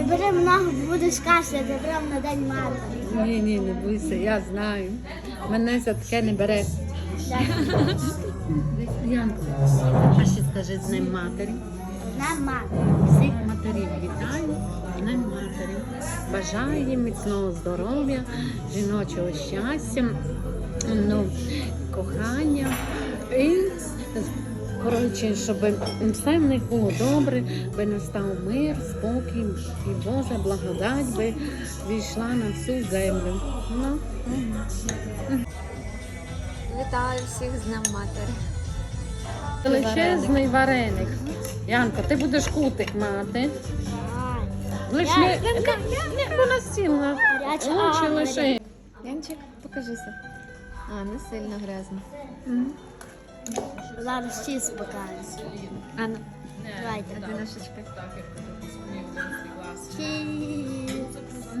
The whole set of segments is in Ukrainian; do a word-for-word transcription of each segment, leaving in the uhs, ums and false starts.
Не бери много, бо будеш кашляти прямо на день матері. Ні, ні, не бойся, я знаю. Мене за таке не бере. Янко, а ще скажи з Днем матері. На матері. Всіх матерів вітаю, з Днем матері. Бажаю їм міцного здоров'я, жіночого щастя, ну, кохання і, коротше, щоб все в них було добре, би настав мир, спокій і Божа благодать би війшла на всю землю. Ну, Вітаю всіх з Днем матері. величезний вареник. Янко, ти будеш кутик мати. Лиш Я- не, не, не, не на стіл, на Гаряча лучше ага. лише. Янчик, покажися. А, не сильно грязно. Зараз чіз покажу. Анна, Давайте. одиношечка. Чіз.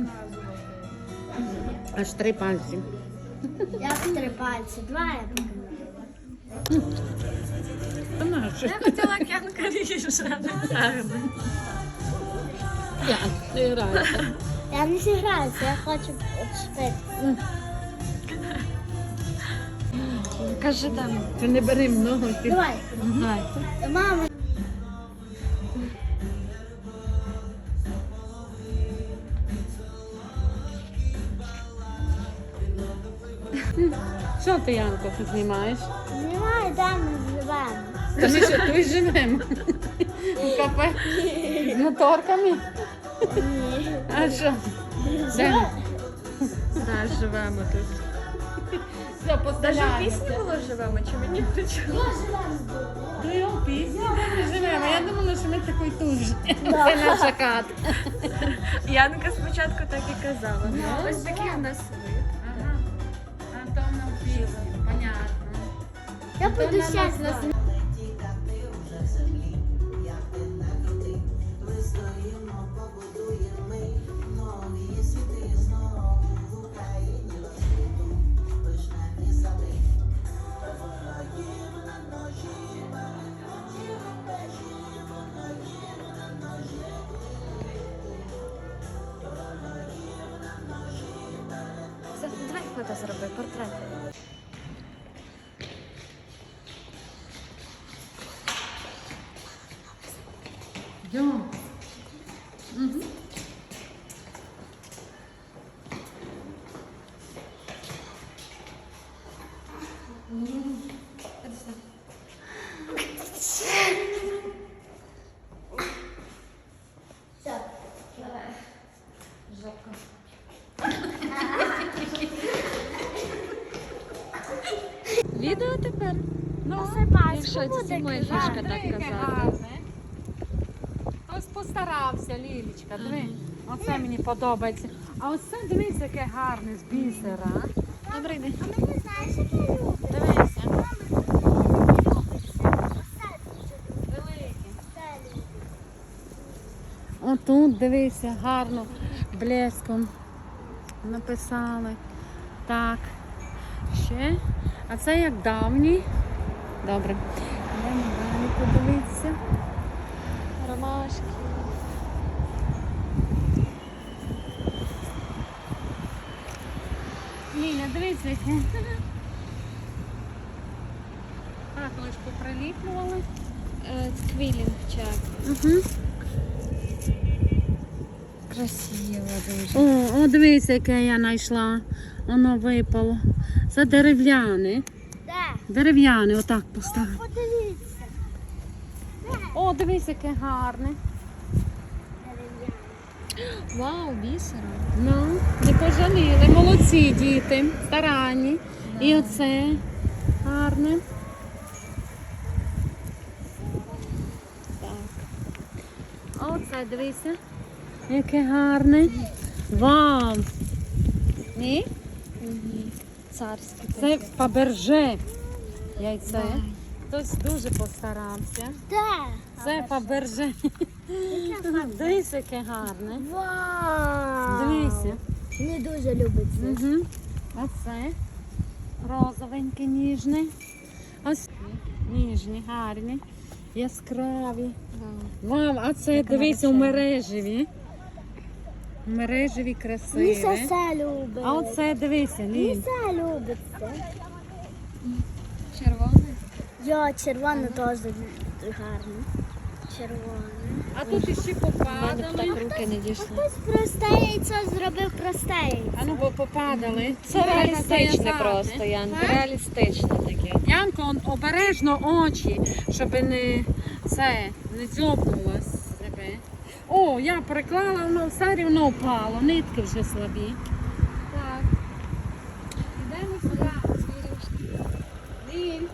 Аж три пальці. Як три пальці. Два я покажу. Та нащо? Я хотіла Янка ріже, а не гарно. Я не граюся. Я не зіграюся, я хочу відшпити. Кажи там. Ти не бери много. Ти... Давай. Давай. Мама. Що ти, Янко, тут знімаєш? Немає, де ми живемо. Та ми що, тут живемо? У кафе? З моторками? Ні. А що? Де? Так, живемо тут. Все, Даже в поставляємося. пісні було живемо, чи мені причому? Я живемо. Ну, у пісні де ми живемо. Я думала, що ми такий тут же. Це наша хата. Янка спочатку так і казала. Ось такий у нас вид. Ага. А то на пісні, понятно. Я буду зараз нас. Все, давай фото зроби, портрет. Йдемо. Все. Відео тепер? Ну, Посипай, Якщо це буде моя казати. фішка так казати. Хтось постарався, Лілічка, диви. Оце мені подобається. А оце дивись, яке гарне з бісера. Добрий день. А мені знаєш, як я люблю? Дивися. Велике. Отут, дивися, гарно, блеском написали. Так. Ще. А це як давній. Добре. Йдемо далі подивитися. Ромашки. Ліля, дивися, яке. Так, лиш поприліплювали. Квілінг чак. Угу. Красиво дуже. О, о, дивися, яке я знайшла. Воно випало. Це дерев'яне. Де? Дерев'яне, отак поставив. Подивіться. О, дивись, яке гарне. Вау, бісером. Ну, не пожаліли. Молодці діти, старанні. І оце гарне. Так. А оце, дивися, яке гарне. Вау! Ні? Царське. Це Фаберже яйце. Хтось дуже постарався. Де? Це Фаберже. Дивись, яке гарне. Вау! Дивися. Не дуже любить це. Угу. Оце розовеньке, ніжне. Ось ніжні, гарні, яскраві. Вау, а це дивися у мережеві. Мережеві красиві. Міса все любить. А оце дивися, Ліль. Міса любить це. Червоне. Я червоне теж гарно. Червоне. А тут іще попадали. руки не дійшли. Хтось просте яйцо зробив просте яйцо. А ну бо попадали. Це реалістичне Стояти. просто, Янка. Реалістичне таке. Янко, он обережно очі, щоб не це не дзьобнуло себе. О, я приклала, воно все рівно впало, нитки вже слабі. Так. Йдемо сюди. Ліль,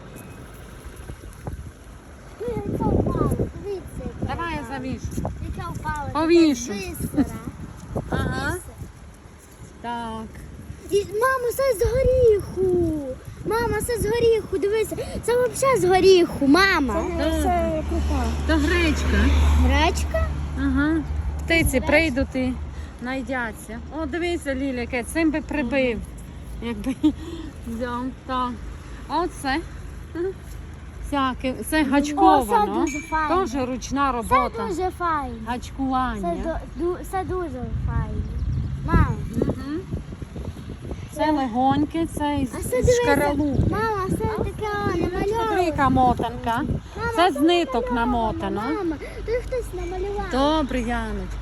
Яйцо впало. Дивіться. яке давай я впало. завішу. Яке впало. Повішу. Таке бисере. Ага. Так. І, мамо, це з горіху. Мама, це з горіху. Дивися, це взагалі з горіху, мама. Це То гречка. Гречка? Ага. Птиці прийдуть і найдяться. О, дивися, Ліля, яке цим би прибив. Якби взяв. Так. А оце. Всяке. Це гачковано. О, це дуже файно. Теж ручна Це робота. дуже файно. Це, Гачкування. до- ду- це дуже файно. Мам, Мгм. Це легоньке, це із, а це з дивися. шкаралупи. Мама, це таке Смотри, намальовано. яка мотанка. Мама, Це з ниток намотано. Мама, тут хтось намалював. Добре, Яночка.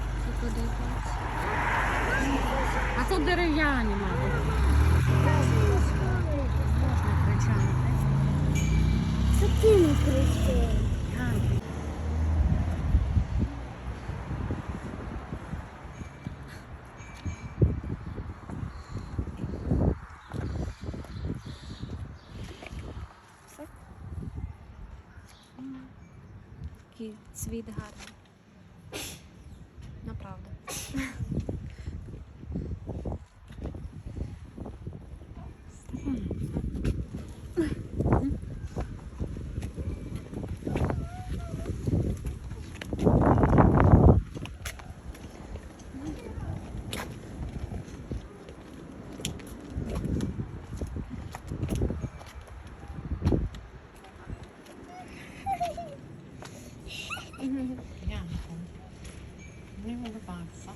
А тут дерев'яні, мабуть. Можна кричати. Такі не кричи. Янка. Такий цвіт гарний. Направда. Янко. Не улыбайся.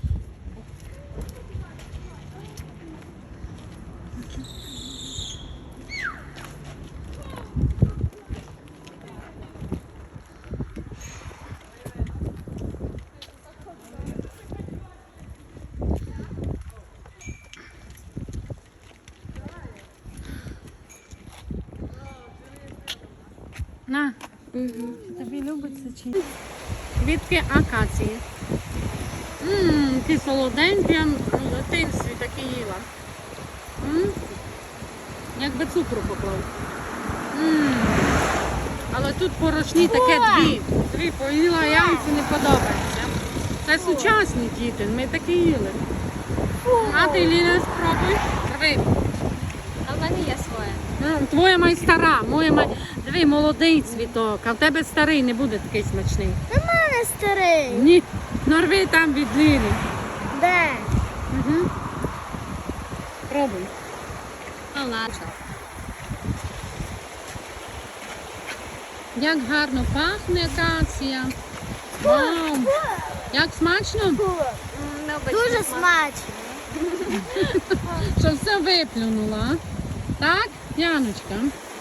На, тобі любиться чи ні? Квітки акації. Ммм, ті солоденькі, я в дитинстві такі їла. М? Якби цукру поклав. М. Але тут порошні таке дві. Дві поїла, Янці не подобається. Це сучасні діти, ми такі їли. А ти, Ліля, спробуй. Диви. А в мене є своє. Ну, твоя май стара, моя май... Диви, молодий цвіток, а в тебе старий не буде такий смачний. У мене старий. Ні, нарви там від Лілі. Де? Угу. Пробуй. Ну, ладно. Як гарно пахне акація. Вау! Як смачно? Дуже смачно. Що все виплюнула. Так, Яночка?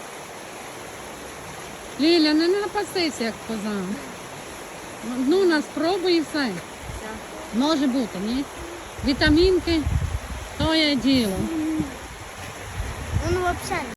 Ліля, не напасися, як коза. Ну, на спробуй і все. Може бути, ні? Вітамінки, то є діло. Ну, взагалі.